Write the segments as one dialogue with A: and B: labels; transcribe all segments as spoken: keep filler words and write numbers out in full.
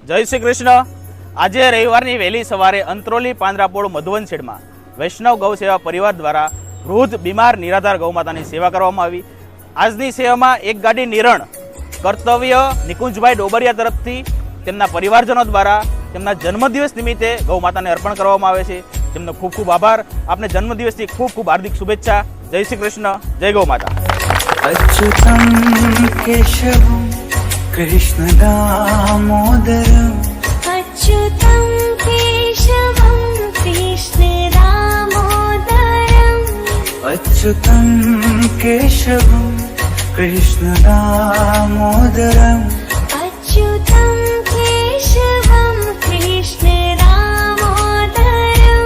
A: जय श्री कृष्ण। आज रविवार वहेली सवारे अंत्रोली પાંદરાપોળ મધુવનછેડ में वैष्णव गौ सेवा परिवार द्वारा वृद्ध बीमार निराधार गौमाता की सेवा करवामां आवी। आजनी सेवा में एक गाड़ी निरण कर्तव्य निकुंजभाई डोबरिया तरफथी तेमना परिवारजनों द्वारा तेमना जन्मदिवस निमित्ते गौमाता ने अर्पण करवामां आवे छे। तेमनो खूब खूब आभार। आपने जन्मदिवस की खूब खूब हार्दिक शुभेच्छा। जय श्री कृष्ण, जय गौ माता।
B: अच्युतं केशवं कृष्ण दामोदरं
C: अच्युतं केशवं कृष्ण दामोदरं
B: अच्युतं केशवं कृष्ण दामोदरं
C: अच्युतं केशवं कृष्ण दामोदरं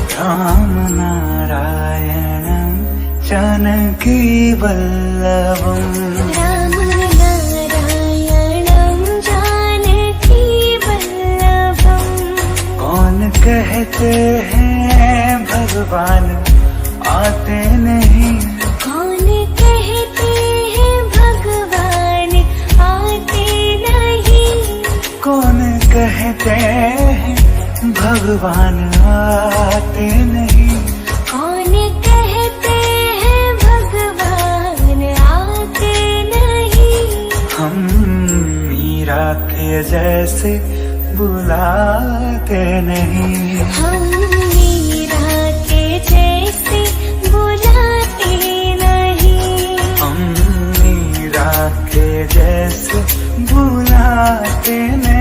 B: रामनारायणं जानकी वल्लभम्
C: रामनारायणं जानकी वल्लभं।
B: कौन कहते हैं भगवान आते नहीं,
C: कौन कहते हैं भगवान आते नहीं,
B: कौन कहते हैं भगवान आते नहीं,
C: कौन कहते हैं भगवान आते नहीं।
B: हम मीरा के जैसे बुलाते नहीं,
C: हम मीरा के जैसे बुलाते नहीं,
B: हम मीरा के जैसे बुलाते नहीं।